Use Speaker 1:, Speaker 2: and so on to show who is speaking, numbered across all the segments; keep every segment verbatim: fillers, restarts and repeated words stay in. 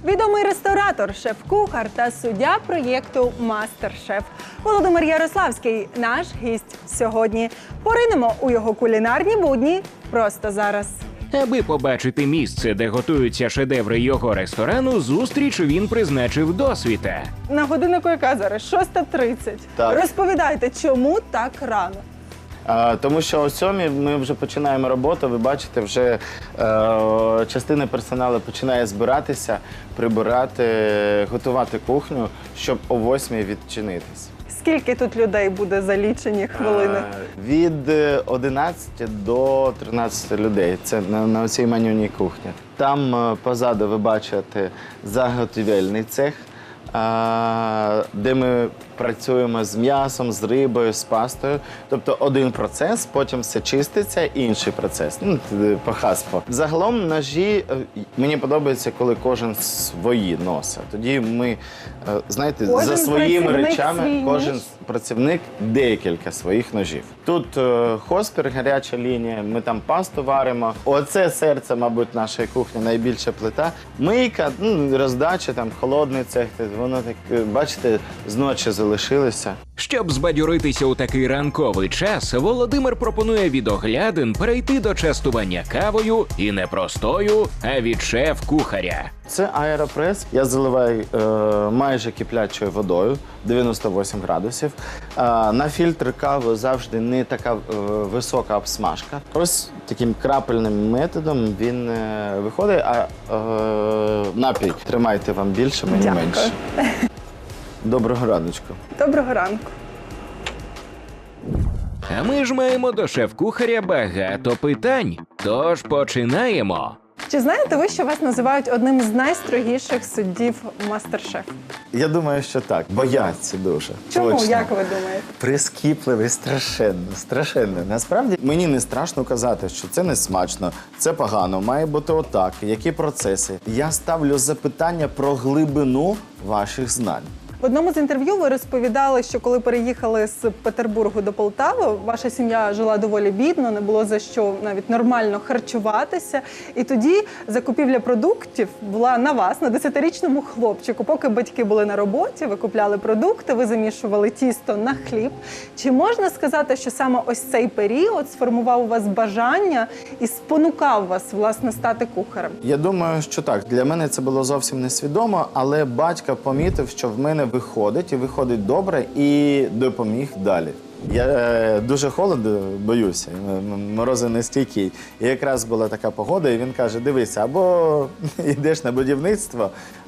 Speaker 1: Відомий ресторатор, шеф-кухар та суддя проєкту «Мастер-шеф» Володимир Ярославський – наш гість сьогодні. Поринемо у його кулінарні будні просто зараз.
Speaker 2: Аби побачити місце, де готуються шедеври його ресторану, зустріч він призначив досвіта.
Speaker 1: На годиннику яка зараз? шоста тридцять.
Speaker 3: Так.
Speaker 1: Розповідайте, чому так рано?
Speaker 3: А, тому що о сьомій ми вже починаємо роботу, ви бачите, вже е, частина персоналу починає збиратися, прибирати, готувати кухню, щоб о восьмій відчинитись.
Speaker 1: Скільки тут людей буде за лічені хвилини?
Speaker 3: Е, від одинадцяти до тринадцяти людей. Це на, на цій менюній кухні. Там е, позаду ви бачите заготівельний цех, е, де ми працюємо з м'ясом, з рибою, з пастою. Тобто один процес, потім все чиститься, інший процес. Ну, по хаспо. Загалом ножі, е, мені подобається, коли кожен свої носить. Тоді ми, е, знаєте,
Speaker 1: Кожен
Speaker 3: за своїми
Speaker 1: працівник
Speaker 3: речами,
Speaker 1: свій
Speaker 3: кожен
Speaker 1: ніж?
Speaker 3: працівник декілька своїх ножів. Тут е, хоспір, гаряча лінія, ми там пасту варимо. Оце серце, мабуть, нашої кухні, найбільша плита. Мийка, ну, роздача, там, холодний цех, воно так, е, бачите, зночі залишилося.
Speaker 2: Щоб збадьоритися у такий ранковий час, Володимир пропонує від оглядин перейти до частування кавою і не простою, а від шеф-кухаря.
Speaker 3: Це аеропрес. Я заливаю е, майже киплячою водою, дев'яносто вісім градусів. Е, на фільтр кави завжди не така е, висока обсмажка. Ось таким крапельним методом він е, виходить, а е, напій тримайте вам більше, мені
Speaker 1: Дякую.
Speaker 3: менше. Доброго раночку.
Speaker 1: Доброго ранку.
Speaker 2: А ми ж маємо до шеф-кухаря багато питань. Тож починаємо.
Speaker 1: Чи знаєте ви, що вас називають одним з найстрогіших суддів «Мастер-шеф»?
Speaker 3: Я думаю, що так. Бояться дуже.
Speaker 1: Чому,
Speaker 3: Точно.
Speaker 1: як ви думаєте?
Speaker 3: Прискіпливий, страшенно, страшенно. Насправді мені не страшно казати, що це не смачно, це погано, має бути отак. Які процеси? Я ставлю запитання про глибину ваших знань.
Speaker 1: В одному з інтерв'ю ви розповідали, що коли переїхали з Петербургу до Полтави, ваша сім'я жила доволі бідно, не було за що навіть нормально харчуватися. І тоді закупівля продуктів була на вас, на десятирічному хлопчику. Поки батьки були на роботі, ви купляли продукти, ви замішували тісто на хліб. Чи можна сказати, що саме ось цей період сформував у вас бажання і спонукав вас, власне, стати кухарем?
Speaker 3: Я думаю, що так. Для мене це було зовсім несвідомо, але батько помітив, що в мене виходить, і виходить добре, і допоміг далі. Я е, дуже холоду боюся, м- морози нестійкий. І якраз була така погода, і він каже, дивися, або йдеш на будівництво,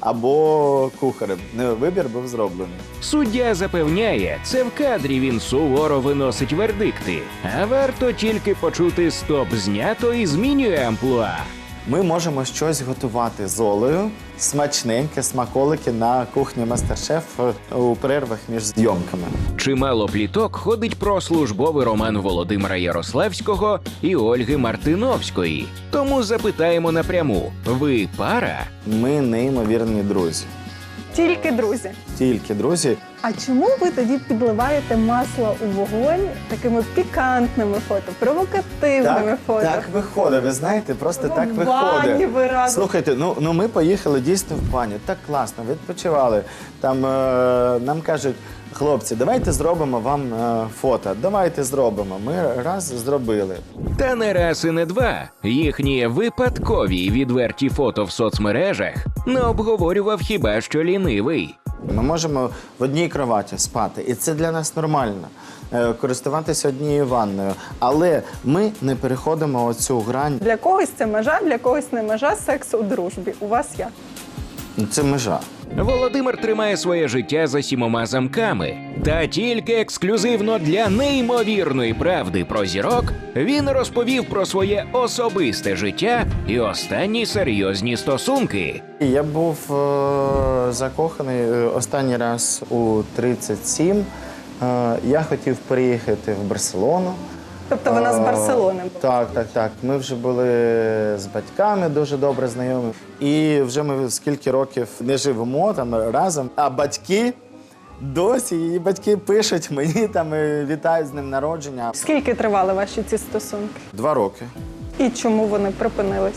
Speaker 3: або кухарем. Ну, вибір був зроблений.
Speaker 2: Суддя запевняє, це в кадрі він суворо виносить вердикти. А варто тільки почути «стоп» знято і змінює амплуа.
Speaker 3: Ми можемо щось готувати з Олею, смачненьке, смаколики на кухні «Мастер-шеф» у перервах між зйомками.
Speaker 2: Чимало пліток ходить про службовий роман Володимира Ярославського і Ольги Мартиновської. Тому запитаємо напряму – ви пара?
Speaker 3: Ми неймовірні друзі.
Speaker 1: Тільки друзі.
Speaker 3: Тільки друзі.
Speaker 1: А чому ви тоді підливаєте масло у вогонь такими пікантними фото, провокативними
Speaker 3: Так,
Speaker 1: фото?
Speaker 3: так виходить, ви знаєте, просто так
Speaker 1: В бані
Speaker 3: виходить.
Speaker 1: ви разом.
Speaker 3: Слухайте, ну, ну ми поїхали дійсно в баню, так класно, відпочивали. Там е, нам кажуть, хлопці, давайте зробимо вам е, фото, давайте зробимо. Ми раз зробили.
Speaker 2: Та не раз і не два. Їхні випадкові й відверті фото в соцмережах не обговорював хіба що лінивий.
Speaker 3: Ми можемо в одній кроваті спати, і це для нас нормально. Е, користуватися однією ванною. Але ми не переходимо оцю грань.
Speaker 1: Для когось це межа, для когось не межа, секс у дружбі. У вас як?
Speaker 3: Це межа.
Speaker 2: Володимир тримає своє життя за сімома замками. Та тільки ексклюзивно для неймовірної правди про зірок він розповів про своє особисте життя і останні серйозні стосунки.
Speaker 3: Я був е, закоханий е, останній раз у тридцять сім. Е, я хотів переїхати в Барселону.
Speaker 1: Тобто вона з Барселони була?
Speaker 3: Так, так, так. Ми вже були з батьками дуже добре знайомі. І вже ми скільки років не живемо там разом. А батьки досі, її батьки пишуть мені, там і вітають з днем народження.
Speaker 1: Скільки тривали ваші ці стосунки?
Speaker 3: Два роки.
Speaker 1: І чому вони припинилися?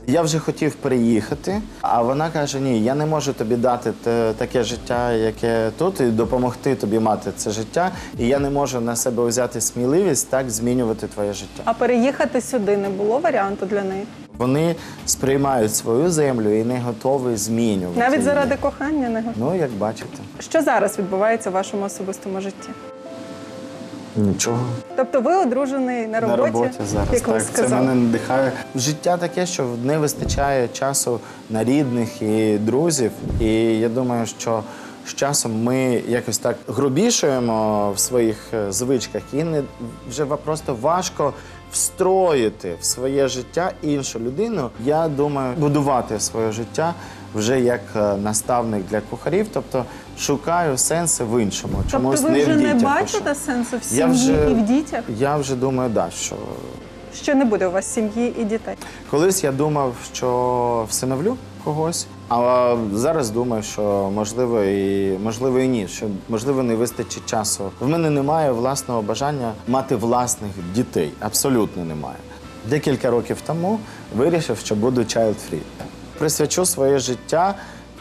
Speaker 3: Я вже хотів переїхати, а вона каже, ні, я не можу тобі дати те- таке життя, яке тут, і допомогти тобі мати це життя, і я не можу на себе взяти сміливість так змінювати твоє життя.
Speaker 1: А переїхати сюди не було варіанту для неї?
Speaker 3: Вони сприймають свою землю і не готові змінювати
Speaker 1: Навіть
Speaker 3: її.
Speaker 1: заради кохання не готові.
Speaker 3: Ну, як бачите.
Speaker 1: Що зараз відбувається в вашому особистому житті?
Speaker 3: Нічого.
Speaker 1: Тобто ви одружений на роботі,
Speaker 3: На роботі зараз.
Speaker 1: як ви
Speaker 3: Так, це
Speaker 1: сказали.
Speaker 3: мене надихає. Життя таке, що не вистачає часу на рідних і друзів. І я думаю, що з часом ми якось так грубішуємо в своїх е, звичках, і не вже ва- просто важко встроїти в своє життя іншу людину. Я думаю, будувати своє життя вже як е, наставник для кухарів, тобто шукаю сенси в іншому. Чомусь
Speaker 1: Тобто ви
Speaker 3: не
Speaker 1: вже
Speaker 3: в
Speaker 1: не
Speaker 3: дітях
Speaker 1: бачите
Speaker 3: пишу.
Speaker 1: сенсу в
Speaker 3: Я
Speaker 1: сім'ї
Speaker 3: вже-
Speaker 1: і в дітях?
Speaker 3: Я вже думаю, да, що
Speaker 1: Що не буде у вас сім'ї і дітей?
Speaker 3: колись я думав, що всиновлю когось, а зараз думаю, що можливо і можливо і ні, що можливо не вистачить часу. В мене немає власного бажання мати власних дітей. Абсолютно немає. Декілька років тому вирішив, що буду child-free. Присвячу своє життя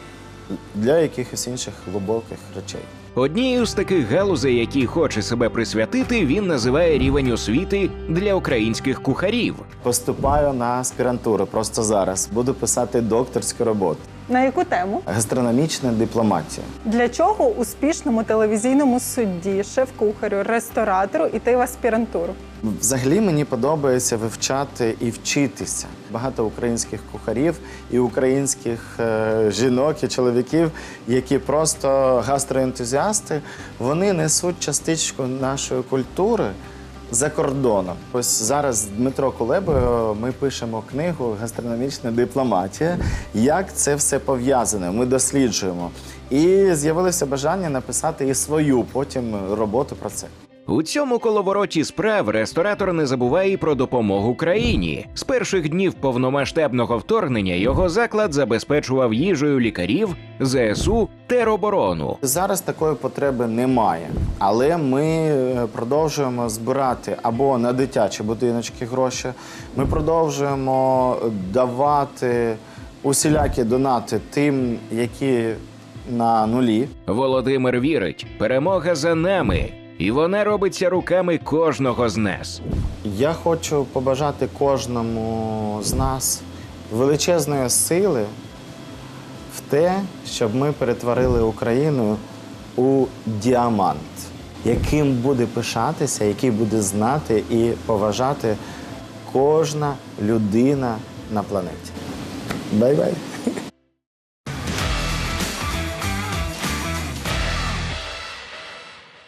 Speaker 3: для якихось інших глибоких речей.
Speaker 2: Однією з таких галузей, які хоче себе присвятити, він називає рівень освіти для українських кухарів.
Speaker 3: Поступаю на аспірантуру просто зараз. Буду писати докторську роботу.
Speaker 1: На яку тему?
Speaker 3: Гастрономічна дипломатія.
Speaker 1: Для чого успішному телевізійному судді, шеф-кухарю, ресторатору йти в аспірантуру?
Speaker 3: Взагалі мені подобається вивчати і вчитися. Багато українських кухарів і українських е, жінок і чоловіків, які просто гастроентузіасти, вони несуть частичку нашої культури за кордоном. Ось зараз з Дмитро Кулебою ми пишемо книгу «Гастрономічна дипломатія». Як це все пов'язане? Ми досліджуємо. І з'явилося бажання написати і свою потім роботу про це.
Speaker 2: У цьому коловороті справ ресторатор не забуває і про допомогу країні. З перших днів повномасштабного вторгнення його заклад забезпечував їжею лікарів, зе ес у, тероборону.
Speaker 3: Зараз такої потреби немає, але ми е, продовжуємо збирати або на дитячі будиночки гроші, ми продовжуємо давати усілякі донати тим, які на нулі.
Speaker 2: Володимир вірить, перемога за нами, і вона робиться руками кожного з нас.
Speaker 3: Я хочу побажати кожному з нас величезної сили в те, щоб ми перетворили Україну у діамант, яким буде пишатися, який буде знати і поважати кожна людина на планеті. Бай-бай!